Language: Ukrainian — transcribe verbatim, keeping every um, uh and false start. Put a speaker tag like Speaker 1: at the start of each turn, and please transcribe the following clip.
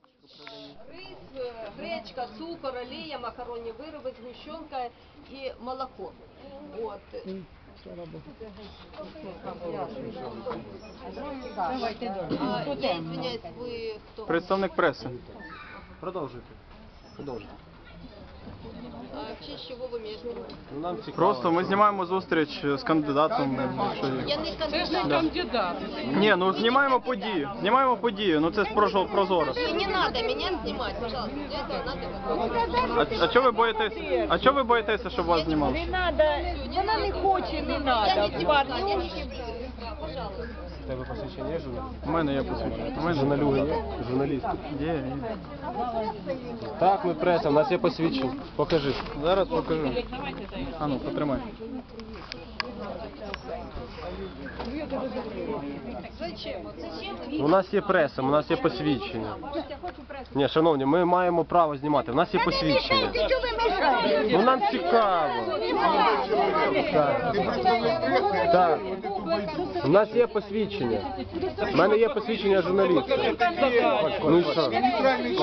Speaker 1: Рис, гречка, цукор, олія, макаронні вироби, згущенка і молоко. От. А, я извиняюсь, ви хто?
Speaker 2: Представник преси.
Speaker 3: Продовжуйте. Продовжуйте.
Speaker 1: А в честь чого ви між ними?
Speaker 3: Ну, нам цікаво.
Speaker 2: Просто ми знімаємо зустріч з кандидатом. якщо є.
Speaker 1: Я не
Speaker 4: Це ж не
Speaker 1: кандидат.
Speaker 4: кандидат.
Speaker 2: Ні, ну знімаємо подію. Знімаємо подію. Ну це ж прозо- прозоро.
Speaker 1: И не надо меня снимать, пожалуйста. Для этого надо...
Speaker 2: А, а чого ви боїтеся? А чого ви боїтеся, щоб вас знімали?
Speaker 5: Не надо, вона не хоче, не
Speaker 1: Я
Speaker 5: надо.
Speaker 1: не депутат, я не депутат. Пожалуйста.
Speaker 3: У тебе посвідчення є журналіст?
Speaker 2: У мене є посвідчення. У мене
Speaker 3: Журналюги є? Журналіст.
Speaker 2: є. є.
Speaker 3: Так, ми преса, у нас є посвідчення. Покажи.
Speaker 2: Зараз покажу. А ну, потримай.
Speaker 3: У нас є преса, у нас є посвідчення. Ні, шановні, ми маємо право знімати. У нас є посвідчення.
Speaker 5: Що ви мешаєте?
Speaker 3: Ну нам цікаво. Так. Так. У нас є посвідчення. У мене є посвідчення журналіста. Ну і що?